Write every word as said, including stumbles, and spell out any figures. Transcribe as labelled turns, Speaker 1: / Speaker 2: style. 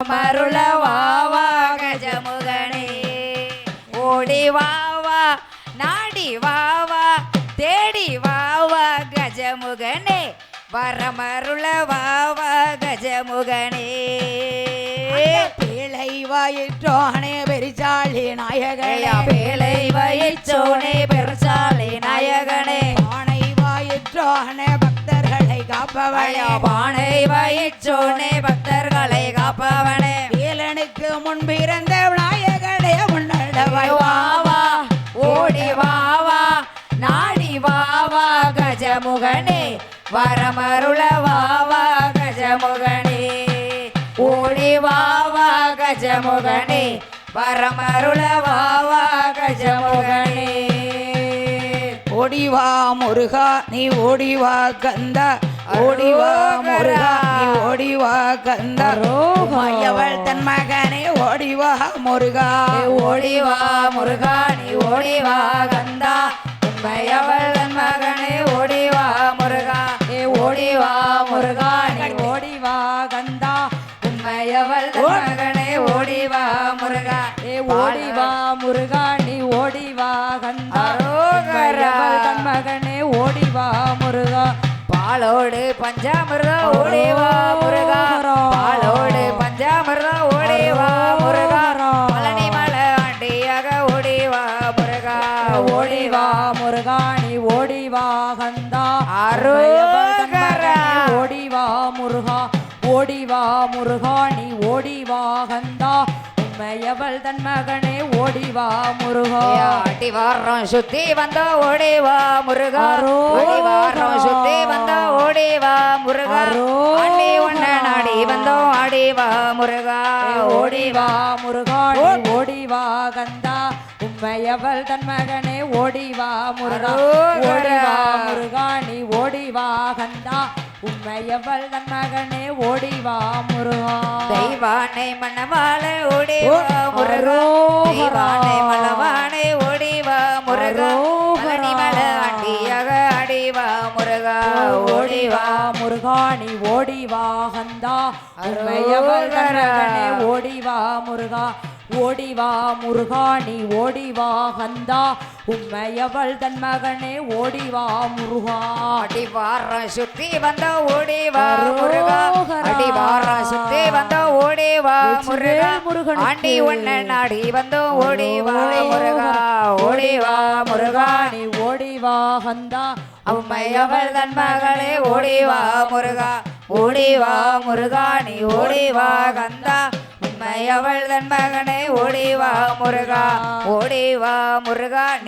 Speaker 1: மருள வாவா கஜமுகனே ஓடி வாவா நாடி வாவா தேடி வாவா கஜமுகனே வரமருள வாவா கஜமுகனே
Speaker 2: பேழை வயிற்றோனே பெருச்சாளி நாயகனே
Speaker 1: பேழை வயிற்றோனே பெருச்சாளி நாயகனே
Speaker 2: பானை வயிற்றோனே பக்தர்களை காப்பவனே
Speaker 1: பானை வயிற்றோனே பக்தர்களை காப்பவனே
Speaker 2: வேலனுக்கு முன்பிருந்த நாயகனே முன்னடவாய்
Speaker 1: வாவா ஓடி வாவா நாடி வாவா கஜமுகனே வரமருள வாவா கஜமுகனே ஓடி வாவா கஜமுகனே வரமருள வாவா கஜமுகனே
Speaker 2: ஓடிவா முருகா நீ ஓடிவா கந்தா ஓடிவா முருகா நீ ஓடிவா கந்தா மையவள் தன் மகனே ஓடிவா முருகா
Speaker 1: ஓடிவா முருகா நீ ஓடிவா கந்தா உண்மையவள் தன் மகனே ஓடிவா முருகா ஏ ஓடிவா முருகா நீ ஓடிவா கந்தா உண்மையவள் தன் மகனே ஓடிவா முருகா ஏ ஓடிவா முருகா நீ ஓடிவா கந்தா உண்மையவள் தன் மகனே ஓடிவா முருகா பாலோடு பஞ்சாமிர்தம் ஓடிவா முருகா பாலோடு பஞ்சாமிர்தம் ஓடிவா முருகா பழனி மலை ஆண்டியாக ஓடிவா முருகா ஓடிவா முருகா நீ ஓடிவா கந்தா அரோகரா ஓடிவா முருகா ஓடிவா முருகா நீ ஓடிவா கந்தா உண்மையவள் தன் மகனே ஓடிவா முருகா அடி வாரம் சுத்தி வந்த ஓடிவா முருகா அடி வாரம் சுத்தி வந்த ஓடிவா முருகா ஆண்டி ஒன்ன நாடி வந்தோம் ஆடிவா முருகா ஓடிவா முருகா ஓடிவா கந்தா உண்மையவள் தன் மகனே ஓடிவா முருகா ஓடிவா முருகா நீ ஓடிவா கந்தா உண்மையவள் தன் மகனே ஓடிவா முருகா தெய்வானை மணவாளை ஓடிவா முருகா தெய்வானை மணவாளை ஓடிவா முருகா பழனி மலை ஆண்டியாக ஆடிவா முருகா ஓடிவா முருகா நீ ஓடிவா கந்தா உண்மையவள் தன் மகனே ஓடிவா முருகா ஓடிவா முருகா நீ ஓடிவா கந்தா உண்மையவள் தன் மகனே ஓடிவா முருகா அடிவார சுத்தி வந்த ஓடிவா முருகா அடிவார சுத்தி வந்த ஓடிவா முருகா முருகன் ஆண்டி ஒன்ன நாடி வந்தோ ஓடிவா முருகா ஓடிவா முருகா நீ ஓடிவா கந்தா உண்மையவள் தன் மகளே ஓடிவா முருகா ஓடிவா முருகா நீ ஓடிவா கந்தா உண்மையவள் தன் மகனே ஓடிவா முருகா ஓடிவா முருகா